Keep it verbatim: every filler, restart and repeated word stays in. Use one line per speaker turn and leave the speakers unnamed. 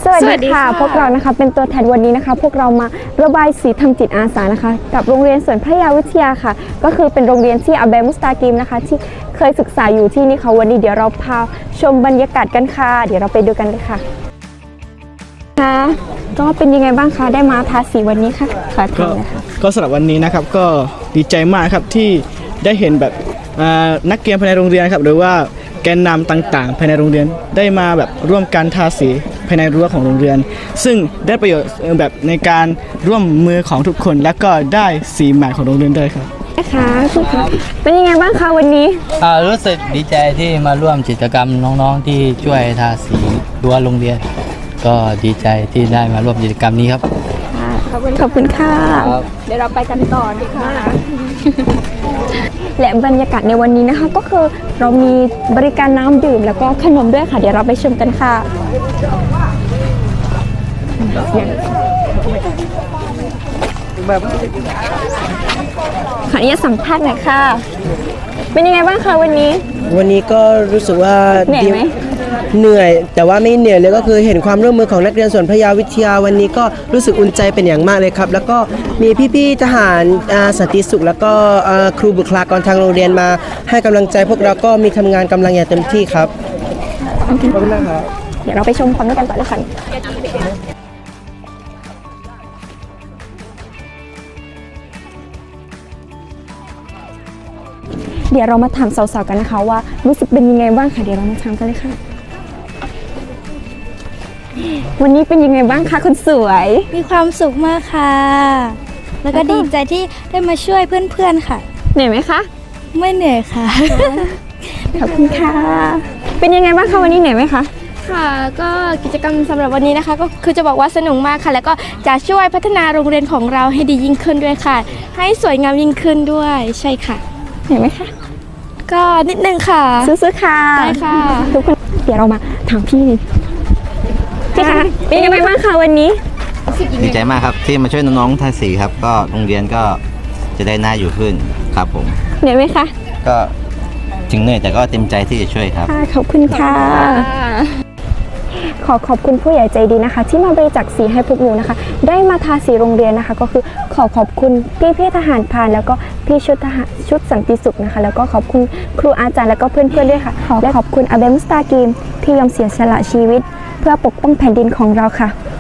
สวัสดีค่ะพวกเรานะคะเป็นตัวแทนวันนี้นะคะพวกเรามาระบายสีทำจิตอาสานะคะกับโรงเรียนสวนพระยาวิทยาค่ะก็คือเป็นโรงเรียนที่อาเบมุสตากิมนะคะที่เคยศึกษาอยู่ที่นี่ค่ะวันนี้เดี๋ยวเราพาชมบรรยากาศกันค่ะเดี๋ยวเราไปดูกันเลยค่ะค่ะก็เป็นยังไงบ้างคะได้มาทาสีวันนี้ค่ะขอถามเลยค่ะ
ก็สำหรับวันนี้นะครับก็ดีใจมากครับที่ได้เห็นแบบนักเรียนภายในโรงเรียนครับหรือว่าแกนนำต่างๆภายในโรงเรียนได้มาแบบร่วมกันทาสีภายในรั้วของโรงเรียนซึ่งได้ประโยชน์แบบในการร่วมมือของทุกคนและก็ได้สีใหม่ของโรงเรียนด้วยครับ
นะคะคุณคะเป็นยังไงบ้างคะวันนี้
รู้สึกดีใจที่มาร่วมกิจกรรมน้องๆที่ช่วยทาสีรั้วโรงเรียนก็ดีใจที่ได้มาร่วมกิจกรรมนี้ครับ
ขอบคุณขอบคุณค่ะเดี๋ยวเราไปกันต่อดีค่ะและบรรยากาศในวันนี้นะคะก็คือเรามีบริการน้ำดื่มแล้วก็ขนมด้วยค่ะเดี๋ยวเราไปชมกันค่ะขออนุญาตสัมภาษณ์หน่อยค่ะเป็นยังไงบ้างคะวันนี้
วันนี้ก็รู้สึกว่า
เหนื่อยไหม
เหนื่อยแต่ว่าไม่เหนื่อยเลยก็คือเห็นความร่วมมือของนักเรียนสวนพระยาวิทยาวันนี้ก็รู้สึกอุ่นใจเป็นอย่างมากเลยครับแล้วก็มีพี่ๆทหารสันติสุขแล้วก็ครูบุคลากรทางโรงเรียนมาให้กำลังใจพวกเราก็มีทำงานกำลังอย่างเต็มที่ครับ
ขอบคุณครับเดี๋ยวเราไปชมความด้วยกันต่อเลยค่ะเดี๋ยวเรามาถามสาวๆกันนะคะว่ารู้สึกเป็นยังไงบ้างค่ะเดี๋ยวเรามาถามกันเลยค่ะวันนี้เป็นยังไงบ้างคะคนสวย
มีความสุขมากค่ะแล้วก็ดีใจที่ได้มาช่วยเพื่อนๆค่ะ
เหนื่อยไหมคะ
ไม่เหนื่อยค่ะ
ขอบคุณค่ะเป็นยังไงบ้างคะวันนี้เหนื่อยไหมคะ
ค่ะก็กิจกรรมสำหรับวันนี้นะคะก็คือจะบอกว่าสนุกมากค่ะแล้วก็จะช่วยพัฒนาโรงเรียนของเราให้ดียิ่งขึ้นด้วยค่ะให้สวยงามยิ่งขึ้นด้วยใช่ค่ะ
เหนื่อยไหมคะ
ก็นิดนึงค่ะ
ซื้อๆค่ะ
ใช่ค่ะ
ทุกคนเดี๋ยวเรามาถามพี่พี่คะเป็นยังไงบ้างคะวันนี้
ดีใจมากครับที่มาช่วยน้องๆทาสีครับก็โรงเรียนก็จะได้น่าอยู่ขึ้นครับผม
เหนื่อยไหมคะ
ก็ถึงเหนื่อยแต่ก็เต็มใจที่จะช่วยครับ
ขอบคุณค่ะขอขอบคุณผู้ใหญ่ใจดีนะคะที่มาบริจาคสีให้พวกหนูนะคะได้มาทาสีโรงเรียนนะคะก็คือขอขอบคุณพี่พี่ทหารพรานแล้วก็พี่ชุดทหารชุดสันติสุขนะคะแล้วก็ขอบคุณครูอาจารย์แล้วก็เพื่อนๆด้วยค่ะและขอบคุณอาเบมุสตากิมที่ยอมเสียสละชีวิตเพื่อปกป้องแผ่นดินของเราค่ะ